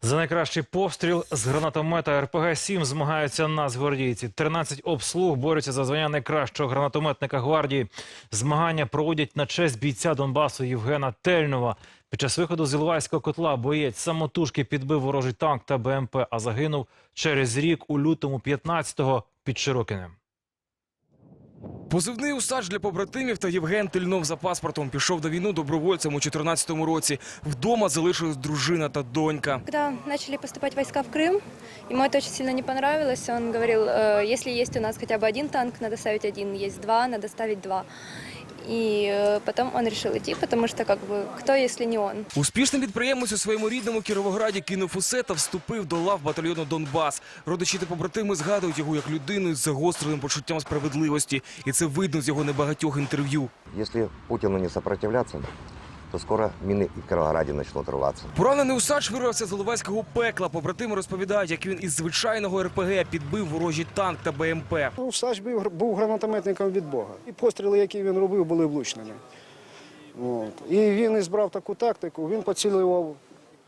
За найкращий постріл з гранатомета РПГ-7 змагаються нацгвардійці. 13 обслуг борються за звання найкращого гранатометника гвардії. Змагання проводять на честь бійця Донбасу Євгена Тельнова. Під час виходу з Іловайського котла боєць самотужки підбив ворожий танк та БМП, а загинув через рік у лютому 15-го під Широкинем. Позивний «Усач» для побратимів та Євген Тельнов за паспортом пішов на війну добровольцем у 2014 році. Вдома залишилась дружина та донька. Когда начали поступать войска в Крым, ему это очень сильно не понравилось. Он говорил, если есть у нас хотя бы один танк, надо ставить один, есть два, надо ставить два. И потом он решил идти, потому что кто, если не он. Успішний підприємець у своєму рідному Кіровограді кинув усе та вступив до лав батальйону «Донбас». Родичі та побратими згадують його як людину з загостреним почуттям справедливості. І це видно з його небагатьох інтерв'ю. Якщо Путіну не сопротивляться, то скоро міни і в Кіровограді почнуть рватися. Поранений «Усач» вирвався з Іловайського пекла. Побратими розповідають, як він із звичайного РПГ підбив ворожий танк та БМП. «Усач» був гранатометником від Бога. І постріли, які він робив, були влучними. І він ізбрав таку тактику, він поцілював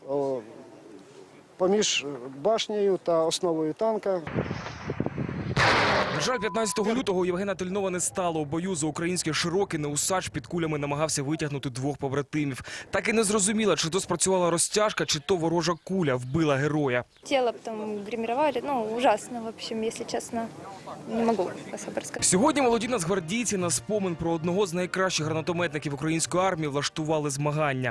поміж башнею та основою танка. На жаль, 15 лютого у Євгена Тельнова не стало. У бою за українське Широкине «Усач» під кулями намагався витягнути двох побратимів. Так і не зрозуміла, чи то спрацювала розтяжка, чи то ворожа куля вбила героя. Тело потом гримировали, ужасно, в общем, если честно, не могу особо рассказать. Сьогодні молоді нацгвардійці на спомин про одного з найкращих гранатометників української армії влаштували змагання.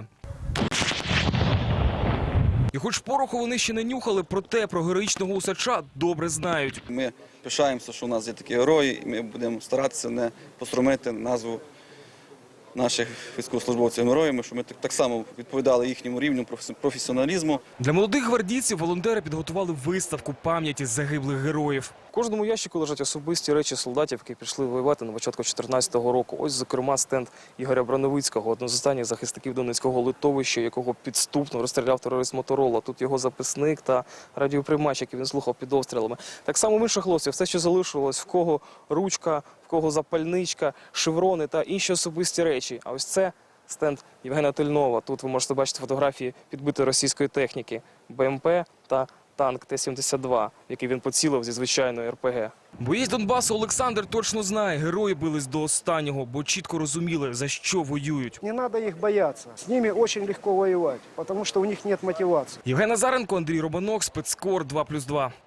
І хоч пороху вони ще не нюхали, проте про героїчного «Усача» добре знають. Ми пишаємося, що у нас є такі герої, і ми будемо старатися не посрамити назву наших військовослужбовців героями, щоб ми так само відповідали їхньому рівню професіоналізму. Для молодих гвардійців волонтери підготували виставку пам'яті загиблих героїв. В кожному ящику лежать особисті речі солдатів, які пішли воювати на початку 2014 року. Ось, зокрема, стенд Ігоря Брановицького, одного з останніх захисників Донецького литовища, якого підступно розстріляв терорист Моторола. Тут його записник та радіоприймач, який він слухав під обстрілами. Так само в інших хлопців все, що залишилось, в кого ручка, в кого запальничка, шеврони та інші особисті речі. А ось це стенд Євгена Тельнова. Тут ви можете бачити фотографії підбитої російської техніки, БМП та танк Т-72, в який він поцілив зі звичайної РПГ. Боєць Донбасу Олександр точно знає, герої бились до останнього, бо чітко розуміли, за що воюють. Не треба їх боятися. З ними дуже легко воювати, тому що у них немає мотивації. Євген Назаренко, Андрій Романок, Спецкор 2+2.